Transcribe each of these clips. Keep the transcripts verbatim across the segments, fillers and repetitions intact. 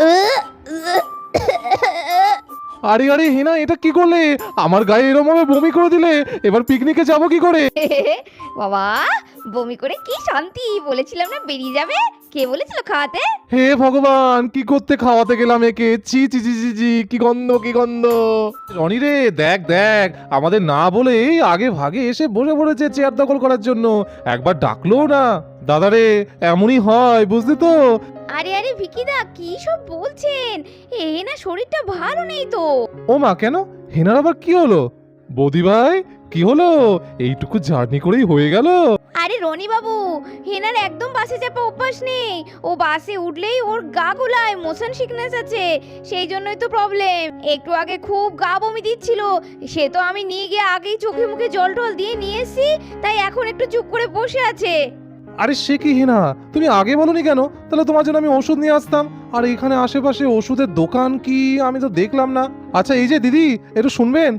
আরে আরে হেনা, এটা কি করলে? আমার গায়ে এরকম ভাবে বমি করে দিলে, এবার পিকনিকে যাবো কি করে? বাবা, বমি করে কি শান্তি! বলেছিলাম না বেরিয়ে যাবে। কে বলেছিল খাওয়াতে? হে ভগবান, কি করতে খাওয়াতে গেলাম একে! চি চি চি চি চি, কি গন্ধ কি গন্ধ! রনি রে, দেখ দেখ, আমাদের না বলে আগে ভাগে এসে বসে পড়েছে চেয়ার দখল করার জন্য। একবার ডাকলো না। দাদা রে, এমনই হয়, বুঝলি তো? আরে আরে ভিকিদা, কি সব বলছেন? এ না, শরীরটা ভালো নেই তো। ও মা, কেন? হেনার আবার কি হলো? বৌদি ভাই, কি হলো? এইটুকু জার্নি করেই হয়ে গেল? আরে রনি বাবু, হেনার একদম বাসে চাপা অভ্যাস নেই। ও বাসে উঠলেই ওর গা গোলায়, মোশন সিকনেস আছে। সেই জন্যই তো প্রবলেম। একটু আগে খুব গা বমি দিচ্ছিল, সে তো আমি নিয়ে গিয়ে আগেই চোখে মুখে জল টল দিয়ে নিয়ে এসেছি, তাই এখন একটু চুপ করে বসে আছে। আরে সে কি হেনা, তুমি আগে বলনি কেন? তাহলে তোমার জন্য আমি ওষুধ নিয়ে আসতাম। আর এখানে আশেপাশে ওষুধের দোকান কি আমি তো দেখলাম না। আচ্ছা এই যে দিদি, একটু শুনবেন?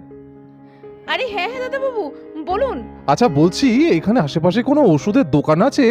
আরে হ্যাঁ হ্যাঁ দাদা বাবু, বলুন। আচ্ছা বলছি, এখানে আশেপাশে কোনো ওষুধের দোকান আছে?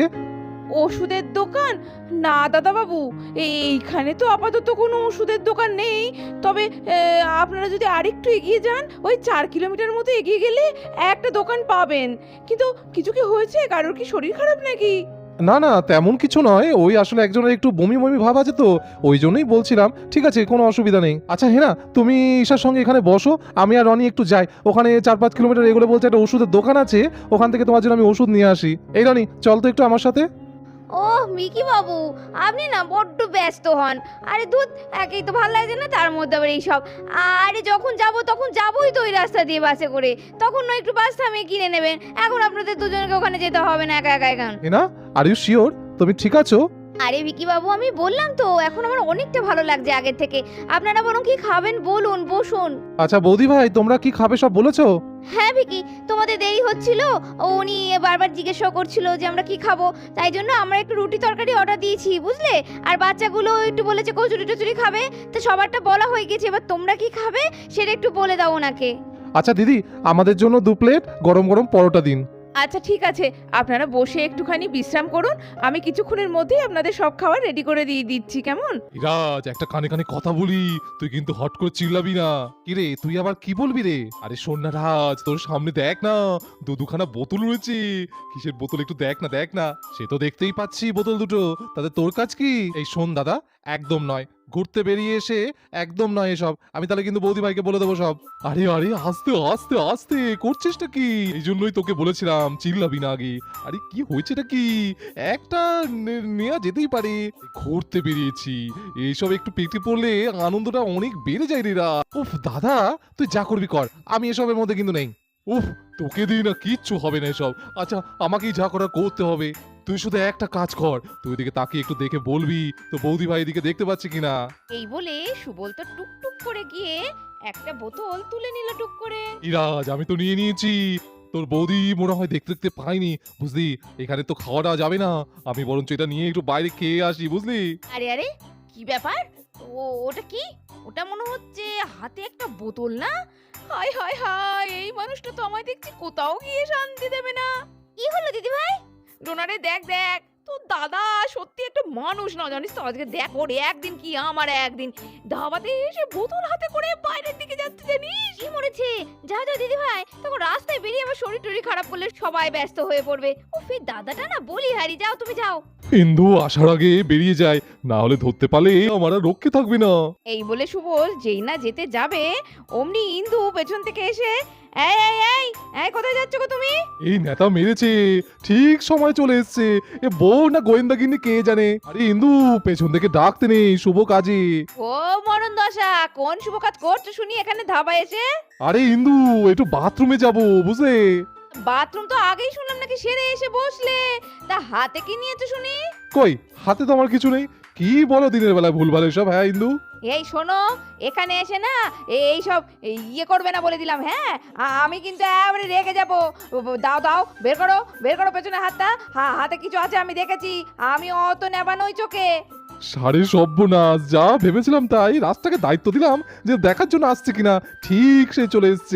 ওষুধের দোকান? না দাদা বাবু, এইখানে তো আপাতত কোনো ওষুধের দোকান নেই। তবে এ, আপনারা যদি আরেকটু এগিয়ে যান, ওই চার কিলোমিটার মতো এগিয়ে গেলে একটা দোকান পাবেন। কিন্তু কিছু কি হয়েছে? কারোর কি শরীর খারাপ নাকি? না না, তেমন কিছু নয়। ওই আসলে একজনের একটু বমি বমি ভাব আছে তো, ওই জন্যই বলছিলাম। ঠিক আছে, কোনো অসুবিধা নেই। আচ্ছা হেনা, তুমি ঈশার সঙ্গে এখানে বসো, আমি আর রনি একটু যাই। ওখানে চার পাঁচ কিলোমিটার এগুলো বলছে একটা ওষুধের দোকান আছে, ওখান থেকে তোমার জন্য আমি ওষুধ নিয়ে আসি। এই রনি, চল তো একটু আমার সাথে। ওহ মিকি বাবু, আপনি না বড্ড ব্যস্ত হন। আরে দুধ, একেই তো ভালো লাগছে না, তার মধ্যে আবার এইসব। আরে যখন যাব তখন যাবোই তো ওই রাস্তা দিয়ে বাসে করে, তখন না একটু বাস থামিয়ে কিনে নেবেন। এখন আপনাদের দুজনকে ওখানে যেতে হবে না একা একা এখন। হেনা, আর ইউ শিওর তুমি ঠিক আছো? আরে ভিকি বাবু, আমি বললাম তো এখন আমার অনেকটা ভালো লাগছে আগের থেকে। আপনারা বরং কি খাবেন বলুন, বসুন। আচ্ছা বৌদি ভাই, তোমরা কি খাবে সব বলেছো? হ্যাঁ ভিকি, তোমাদের দেরি হচ্ছিল, ও উনি বারবার জিজ্ঞাসা করছিল যে আমরা কি খাবো, তাই জন্য আমরা একটু রুটি তরকারি অর্ডার দিয়েছি, বুঝলে। আর বাচ্চাগুলো একটু বলেছে কচুরি টচুরি খাবে, তো সবারটা বলা হয়ে গেছে। এবার তোমরা কি খাবে সেটা একটু বলে দাও ওনাকে। আচ্ছা দিদি, আমাদের জন্য দু প্লেট গরম গরম পরোটা দিন। আচ্ছা ঠিক আছে, আপনারা বসে একটুখানি বিশ্রাম করুন। আমি কিছুক্ষণের মধ্যেই আপনাদের সব খাবার রেডি করে দিয়ে দিচ্ছি, কেমন? ইরাজ, একটা কানে কানে কথা বলি, তুই কিন্তু হট করে চিল্লাবি না। কি রে, তুই আবার কি বলবি রে? আরে শোন না রাজ, তোর সামনে দেখ না, দু দুখানা বোতল রয়েছে। কিসের বোতল একটু দেখ না, দেখ না। সে তো দেখতেই পাচ্ছি বোতল দুটো, তাতে তোর কাজ কি? এই শোন দাদা, একদম নয়, ঘুরতে বেরিয়ে এসে একদম নয় এসব। আমি তাহলে কিন্তু বৌদি ভাইকে বলে দেবো সব। আরে আরে, আস্তে আস্তে আস্তে করছিসটা কি? এই জন্যই তোকে বলেছিলাম চিল্লাবি না আগে। আরে কি হয়েছেটা কি? একটা নে- নেওয়া যেতেই পারে। ঘুরতে বেরিয়েছি, এইসব একটু পেটে পড়লে আনন্দটা অনেক বেড়ে যায় রে রা। উফ দাদা, তুই যা করবি কর, আমি এসবের মধ্যে কিন্তু নেই। উফ, তোকে দিই না, কিচ্ছু হবে না এসব। আচ্ছা, আমাকেই যা করার করতে হবে। তুই শুধু একটা কাজ কর, তুই দিকে তাকিয়ে একটু দেখে বলবি তো বৌদি ভাই এদিকে দেখতে পাচ্ছি কিনা। এই বলে সুবল তো টুকটুক করে গিয়ে একটা বোতল তুলে নিল টুক করে। ইরাজ, আমি তো নিয়ে নিয়েছি। তোর বৌদি মনে হয় দেখতে দেখতে পাইনি, বুঝলি। এখানে তো খাওয়া দাওয়া যাবে না, আমি বরঞ্চ এটা নিয়ে একটু বাইরে খেয়ে আসি, বুঝলি। আরে আরে, কি ব্যাপার? ও ওটা কি? ওটা মনে হচ্ছে হাতে একটা বোতল না? হায় হায় হায়, এই মানুষটা তো আমায় দেখছি কোথাও গিয়ে শান্তি দেবে না। কি হলো দিদি ভাই? ডোনারে দেখ দেখ, তো দাদা সত্যি একটা মানুষ না, জানিস তো। আজকে দেখ, ওর একদিন কি আমার একদিন, ধাবাতে এসে বোতল হাতে করে বাইরের দিকে যাচ্ছে, জানিস? কি মরেছে? যা যা দিদি ভাই, তখন রাস্তায় বেরিয়ে আবার শরীর টরীর খারাপ করলে সবাই ব্যস্ত হয়ে পড়বে। ও ফির দাদাটা না বলি হারি, যাও তুমি যাও। ইন্দু আসার আগে বেরিয়ে যায়, না হলে ধরতে পারলে আমার আর রক্ষে থাকবে না। এই বলে সুবল যেই না যেতে যাবে, অমনি ইন্দু পেছন থেকে এসে, এই এই এই এই কোথায় যাচ্ছ গো তুমি? এই নেতা মেরেছে, ঠিক সময় চলে এসছে। এ বউ না গোয়েন্দাগিন্নি কে জানে। আরে ইন্দু, পেছন থেকে ডাকতে নেই, শুভ কাজে। ও মরণ দশা, কোন শুভ কাজ করছো শুনি এখানে ধাবা এসে? আরে ইন্দু, একটু বাথরুমে যাব, বুঝলে। বাথরুম তো আগেই শুনলাম নাকি সেরে এসে বসলে, তা হাতে কি নিয়েছো শুনি? কই, হাতে তো আমার কিছু নেই। কি বলো দিনের বেলা ভুলভাল এসব, হ্যাঁ ইন্দু। এই শোনো, এখানে এসে না এই সব ইয়ে করবে না বলে দিলাম, হ্যাঁ? আ- আমি কিন্তু এবারে রেগে যাবো। দাও দাও, বের করো বের করো পেছনে হাতটা। হা- হাতে কিছু আছে, আমি দেখেছি, আমি অত নেবা নই চোখে। সারে সর্বনাশ, যা ভেবেছিলাম তাই। রাস্তাকে দায়িত্ব দিলাম যে দেখার জন্য আসছে কিনা, ঠিক সে চলে এসছে।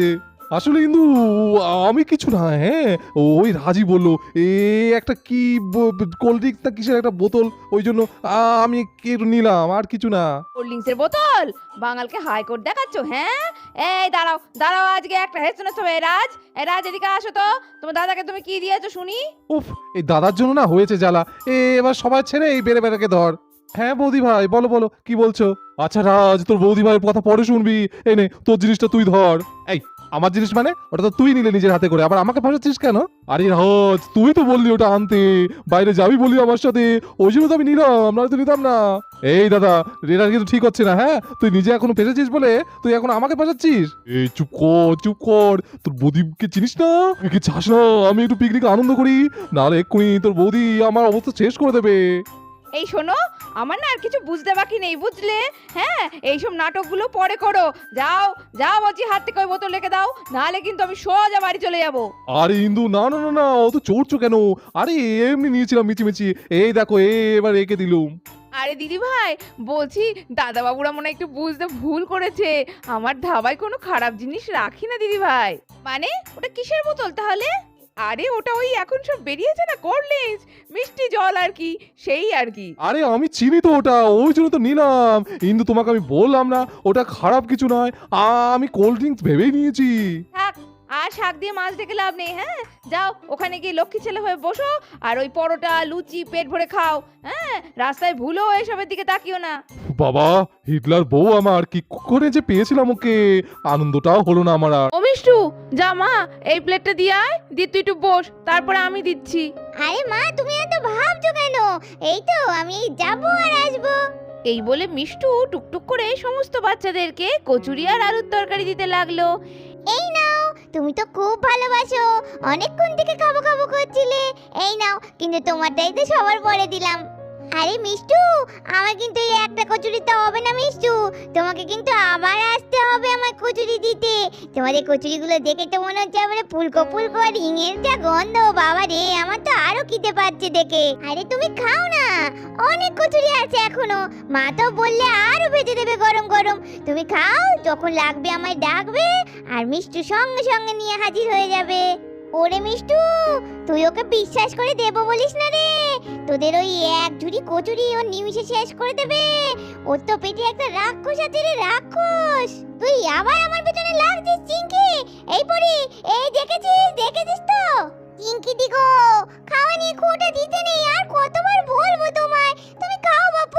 আসলে কিন্তু আমি কিছু না, হ্যাঁ ওই রাজি বললো এ একটা কি কোল্ড ড্রিঙ্কস না কিসের একটা বোতল, ওই জন্য আ- আমি কি একটু নিলাম, আর কিছু না। কোল্ড ড্রিঙ্কসের বোতল বাঙালকে হাইকোর্ট দেখাচ্ছ? হ্যাঁ, এই দাঁড়াও দাঁড়াও, আজকে একটা হেসে হবে। রাজ, এই রাজ এদিকে আসো তো, তোমার দাদাকে তুমি কি দিয়েছো শুনি? উফ, এই দাদার জন্য না হয়েছে জ্বালা। এ এবার সবাই ছেড়ে এই বেড়ে বেড়াকে ধর। হ্যাঁ বৌদি ভাই, বলো বলো কি বলছো? আচ্ছা রাজ, তোর বৌদি ভাইয়ের কথা পরে শুনবি। এই নে তোর জিনিসটা তুই ধর। এই আমার জিনিস মানে? ওটা তো তুই নিলে নিজের হাতে করে, আবার আমাকে ফাঁসাচ্ছিস কেন? আরে রাজ, তুই তো বললি ওটা আনতে, বাইরে যাবি বলি আমার সাথে, ওই জন্য তো আমি নিলাম, না তো নিতাম না। এই দাদা, এটা কিন্তু ঠিক হচ্ছে না। হ্যাঁ, তুই নিজে এখনো ফেসেছিস বলে তুই এখন আমাকে ফাঁসাচ্ছিস। এই চুপ কর চুপ কর, তোর বৌদিকে চিনিস না? তুই কি চাস না আমি একটু পিকনিক আনন্দ করি? নাহলে এক্ষুনি তোর বৌদি আমার অবস্থা শেষ করে দেবে। এই শোনো, আমার না আর কিছু বুঝতে বাকি নেই, বুঝলে? হ্যাঁ, এইসব নাটকগুলো পরে করো। যাও যাও বলছি, হাত থেকে ওই বোতল রেখে দাও, নাহলে কিন্তু আমি সোজা বাড়ি চলে যাবো। আরে ইন্দু, না না না না, অত চড়ছো কেন? আরে এমনি নিয়েছিলাম মিচিমিচি, এই দেখো এবার রেখে দিলুম। আরে দিদি ভাই, বলছি দাদা বাবুরা মনে হয় একটু বুঝতে ভুল করেছে। আমার ধাবায় কোনো খারাপ জিনিস রাখি না দিদি ভাই। মানে ওটা কিসের বোতল তাহলে? আরে ওটা ওই এখন সব বেরিয়েছে না কোল্ড ড্রিঙ্কস, মিষ্টি জল আর কি, সেই আর কি। আরে আমি চিনি তো ওটা, ওই জন্য তো নিলাম। ইন্দু তোমাকে আমি বললাম না ওটা খারাপ কিছু নয়, আমি কোল্ড ড্রিঙ্কস ভেবেই নিয়েছি। থাক, আর শাক দিয়ে মাছ ডেকে লাভ নেই। হ্যাঁ, যাও ওখানে গিয়ে লক্ষ্মী ছেলে হয়ে বসো, আর ওই পরোটা লুচি পেট ভরে খাও। হ্যাঁ, রাস্তায় ভুলো এসবের দিকে তাকিও না। বাবা, হিটলার বউ আমার, কি করে যে পেয়েছিলাম ওকে, আনন্দটাও হলো না আমার আর। ও মিষ্টু, যা মা এই প্লেটটা দিয়ে আয়, দিয়ে তুই একটু বস, তারপরে আমি দিচ্ছি। আরে মা, তুমি এত ভাবছো কেন? এই তো আমি যাবো আর আসবো। এই বলে মিষ্টু টুকটুক করে সমস্ত বাচ্চাদেরকে কচুরি আর আলুর তরকারি দিতে লাগলো। এই নাও, তুমি তো খুব ভালোবাসো, অনেকক্ষণ থেকে খাবো খাবো করছিলে। এই নাও, কিন্তু তোমারটাই তো সবার পরে দিলাম। আরে মিষ্টু, আমার কিন্তু এই একটা কচুরি তো হবে না মিষ্টু, তোমাকে কিন্তু আবার আসতে হবে আমার কচুরি দিতে। তোমাদের কচুরিগুলো দেখে তো মনে হচ্ছে আবার ফুলকো ফুলকো, আর হিঙের যা গন্ধ, বাবা রে, আমার তো আরো খিদে পাচ্ছে দেখে। আরে তুমি খাও না, অনেক কচুরি আছে এখনো, মা তো বললে আরো ভেজে দেবে গরম গরম। তুমি খাও, যখন লাগবে আমায় ডাকবে, আর মিষ্টু সঙ্গে সঙ্গে নিয়ে হাজির হয়ে যাবে। ওরে মিষ্টু, তুই ওকে বিশ্বাস করে দেবো বলিস না রে, তোদের ওই এক ঝুড়ি কচুরি ও নিমিষে শেষ করে দেবে। ওর তো পেটে একটা রাক্ষস আছে রে, রাক্ষস। তুই আবার আমার পেছনে লাগছিস চিঙ্কি। এই পরি, এই দেখেছিস দেখেছিস তো? চিঙ্কি দিগো, খাওয়া নিয়ে খোটা দিতে নেই, আর কতবার বলবো তোমায়, তুমি খাও বাপু।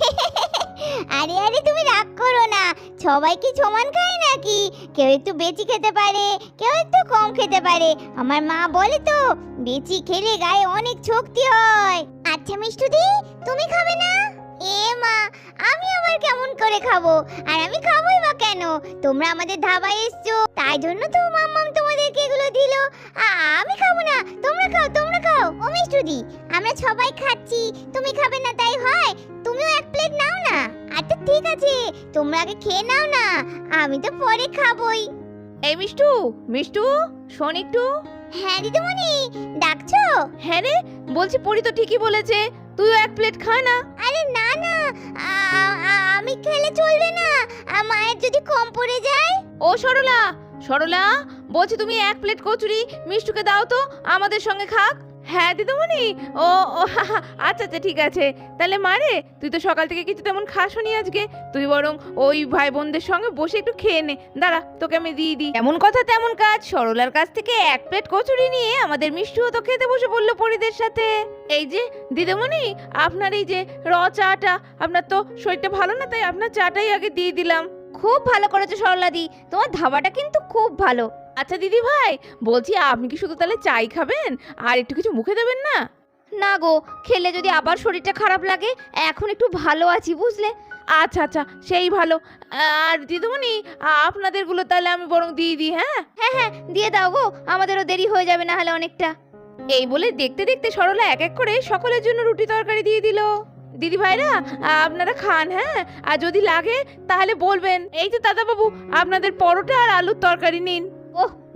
আরে আরে তুমি রাগ করো না, সবাই কি সমান খায় নাকি? কেউ একটু বেশি খেতে পারে, কেউ একটু কম খেতে পারে। আমার মা বলে তো, বেশি খেলে গায়ে অনেক শক্তি হয়। আচ্ছা মিষ্টুদি, তুমি খাবে না? এ মা, আমি আবার কেমন করে খাবো? আর আমি খাবোই বা কেন? তোমরা আমাদের ধাবায় এসছো, তাই জন্য তো মাম্মাম তোমাদেরকে এগুলো দিল। আমি খাবো না, তোমরা খাও তোমরা খাও। ও মিষ্টুদি, আমরা সবাই খাচ্ছি, তুমি খাবে না তাই হয়? তুমিও এক প্লেট নাও না। আচ্ছা ঠিক আছে, তোমরা আগে খেয়ে নাও না, আমি তো পরে খাবোই। এই মিষ্টু, মিষ্টু শোন একটু। হ্যাঁ দিদিমণি, ডাকছো? হ্যাঁ রে, বলছি পরি তো ঠিকই বলেছে, তুইও এক প্লেট খা না। আরে না না, আ- আ- আমি খেলে চলবে না, আ, মায়ের যদি কম পড়ে যায়। ও সরলা, সরলা বলছি তুমি এক প্লেট কচুরি মিষ্টুকে দাও তো, আমাদের সঙ্গে খাক। হ্যাঁ দিদিমণি, ও ও হা, হা, আচ্ছা আচ্ছা ঠিক আছে। তাহলে মারে, তুই তো সকাল থেকে কিছু তেমন খাসনি আজকে, তুই বরং ওই ভাই বোনদের সঙ্গে বসে একটু খেয়ে নে। দাঁড়া, তোকে আমি দিয়ে দিই। এমন কথা তেমন কাজ, সরলার কাছ থেকে এক প্লেট কচুরি নিয়ে আমাদের মিষ্টুও তো খেতে বসে বললো পরিদের সাথে। এই যে দিদিমণি, আপনার এই যে র চাটা, আপনার তো শরীরটা ভালো না, তাই আপনার চাটাই আগে দিয়ে দিলাম। খুব ভালো করেছো সরলাদি, তোমার ধাবাটা কিন্তু খুব ভালো। আচ্ছা দিদি ভাই, বলছি আপনি কি শুধু তাহলে চাই খাবেন, আর একটু কিছু মুখে দেবেন না? না গো, খেলে যদি আবার শরীরটা খারাপ লাগে, এখন একটু ভালো আছি বুঝলে। আচ্ছা আচ্ছা, সেই ভালো। আর দিদিমণি, আপনাদেরগুলো তাহলে আমি বরং দিয়ে দিই। হ্যাঁ হ্যাঁ হ্যাঁ, দিয়ে দাও গো, আমাদেরও দেরি হয়ে যাবে না হলে অনেকটা। এই বলে দেখতে দেখতে সরলা এক এক করে সকলের জন্য রুটি তরকারি দিয়ে দিল। দিদি ভাইরা, আপনারা খান, হ্যাঁ, আর যদি লাগে তাহলে বলবেন। এই যে দাদা বাবু, আপনাদের পরোটা আর আলুর তরকারি নিন। ওহ,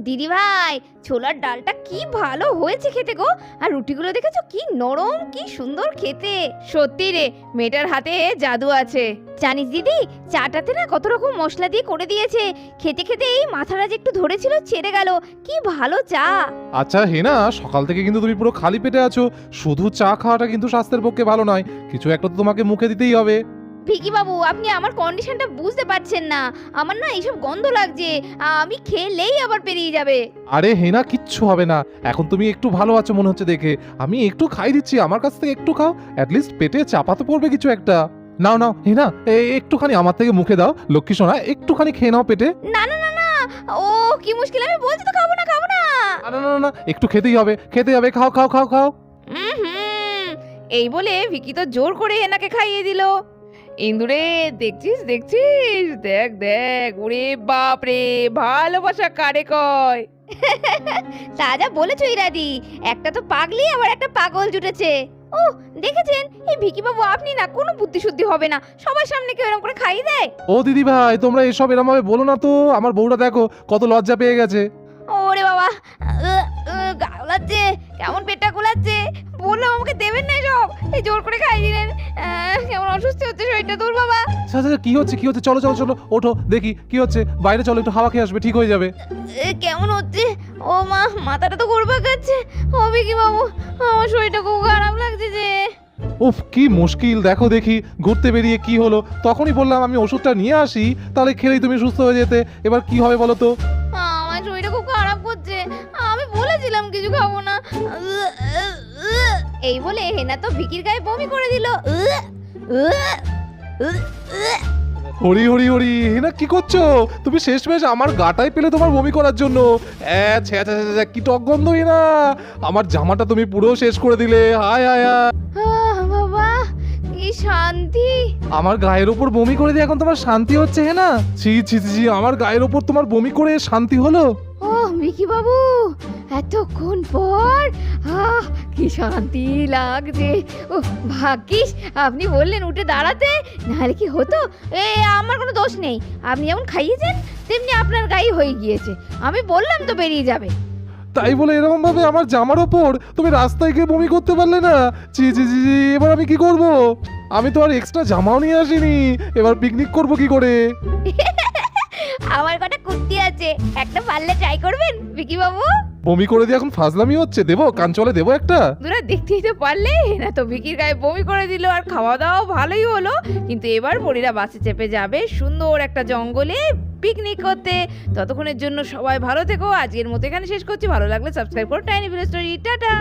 দিদি ভাই, ছোলার ডালটা কি ভালো হয়েছে খেতে গো। আর রুটিগুলো দেখেছো কি নরম, কি সুন্দর খেতে। সত্যি রে, মেয়েটার হাতে জাদু আছে। জানিস দিদি, চাটাতে না কত রকম মশলা দিয়ে করে দিয়েছে। খেতে খেতে এই মাথাটা যে একটু ধরেছিল ছেড়ে গেল। কি ভালো চা। আচ্ছা হেনা, সকাল থেকে কিন্তু তুমি পুরো খালি পেটে আছো। শুধু চা খাওয়াটা কিন্তু স্বাস্থ্যের পক্ষে ভালো নয়, কিছু একটা তো তোমাকে মুখে দিতেই হবে। ভিকি বাবু, আপনি আমার কন্ডিশনটা বুঝতে পারছেন না। আমার না এইসব গন্ধ লাগছে, আমি খেলেই আবার পেরিয়ে যাবে। আরে হেনা, কিচ্ছু হবে না। এখন তুমি একটু ভালো আছো মনে হচ্ছে দেখে। আমি একটু খাই দিচ্ছি, আমার কাছ থেকে একটু খাও। অ্যাটলিস্ট পেটে চাপা তো পড়বে কিছু একটা। নাও নাও হেনা, এ- একটুখানি আমার থেকে মুখে দাও। লক্ষ্মী সোনা, একটুখানি খেয়ে নাও পেটে। না না না না, ও কি মুশকিল, আমি বলছি তো খাবো না খাবো না। না না না না, একটু খেতেই হবে, খেতে হবে। খাও খাও খাও খাও। হুম, এই বলে ভিকি তো জোর করে হেনাকে খাইয়ে দিল। ইন্দুরে, দেখছিস দেখছিস, দেখ দেখ, ওরে বাপ রে, ভালোবাসা কারে কয়। তা যা বলেছো ইরাদি, একটা তো পাগলি আবার একটা পাগল জুটেছে। ও দেখেছেন, এই ভিকি বাবু আপনি না কোনো বুদ্ধি শুদ্ধি হবে না, সবার সামনে কেউ এরকম করে খাইয়ে দেয়। ও দিদি ভাই, তোমরা এসব এরম ভাবে বলো না তো। আমার বউটা দেখো কত লজ্জা পেয়ে গেছে। ওরে বাবা, আহ, আহ, গা গোলাচ্ছে, কেমন পেটটা গোলাচ্ছে। বললাম আমাকে দেবেন না এসব, এই জোর করে খাই দিলেন। আহ, কেমন অসুস্থ হচ্ছে শরীরটা, দূর বাবা। আচ্ছা আচ্ছা, কি হচ্ছে কি হচ্ছে? চলো চলো চলো, ওঠো দেখি কি হচ্ছে। বাইরে চলো, একটু হাওয়া খেয়ে আসবে, ঠিক হয়ে যাবে। এ, কেমন হচ্ছে? ও মা, মাথাটা তো ঘুরপাক খাচ্ছে। হবে কি বাবু, আমার শরীরটা খুব খারাপ লাগছে যে। উফ, কি মুশকিল। দেখো দেখি, ঘুরতে বেরিয়ে কি হলো। তখনই বললাম আমি ওষুধটা নিয়ে আসি, তাহলে খেলেই তুমি সুস্থ হয়ে যেতে। এবার কি হবে বলো তো? আমার শরীরটা খুব খারাপ করছে, আমি বলেছিলাম কিছু খাবো না। এই বলে হেনা তো ভিকির গায়ে বমি করে দিল। হরি হরি হরি, হেনা কি করছো তুমি? শেষমেশ আমার গাটাই পেলে তোমার বমি করার জন্য। অ্যা, ছ্যা, ছ্যা, ছ্যা, ছ্যা, কি টক গন্ধ হেনা। আমার জামাটা তুমি পুরো শেষ করে দিলে। হায় হায় হায়। আহ, বাবা কি শান্তি। আমার গায়ের ওপর বমি করে দিয়ে এখন তোমার শান্তি হচ্ছে হেনা? ছি ছি ছি ছি, আমার গায়ের ওপর তোমার বমি করে শান্তি হলো? ও ভিকি বাবু, এতক্ষণ পর আহ কি শান্তি লাগছে। ও ভাগ্যিস আপনি বললেন উঠে দাঁড়াতে, নাহলে কি হতো। এ আমার কোনো দোষ নেই, আপনি যেমন খাইয়েছেন তেমনি আপনার গায়ে হয়ে গিয়েছে। আমি বললাম তো বেরিয়ে যাবে। তাই বলে এরকম ভাবে আমার জামার ওপর তুমি রাস্তায় গিয়ে বমি করতে পারলে না? ছি ছি ছি ছি, এবার আমি কি করব? আমি তো আর এক্সট্রা জামাও নিয়ে আসিনি। এবার পিকনিক করব কি করে? আমার কটা কুর্তি আছে, একটা পারলে ট্রাই করবেন ভিকি বাবু। বমি করে দিয়ে এখন ফাজলামি হচ্ছে। দেবো কাঞ্চলে, দেবো একটা। তোরা দেখতেই তো পারলে, হেনা তো ভিকির গায়ে বমি করে দিল। আর খাওয়া দাওয়া ভালোই হলো, কিন্তু এবার পরীরা বাসে চেপে যাবে সুন্দর একটা জঙ্গলে পিকনিক করতে। ততক্ষণের জন্য সবাই ভালো থেকো। আজকের মতো এখানে শেষ করছি। ভালো লাগলে সাবস্ক্রাইব করো টাইনি ভিলেজ স্টোরি। টাটা।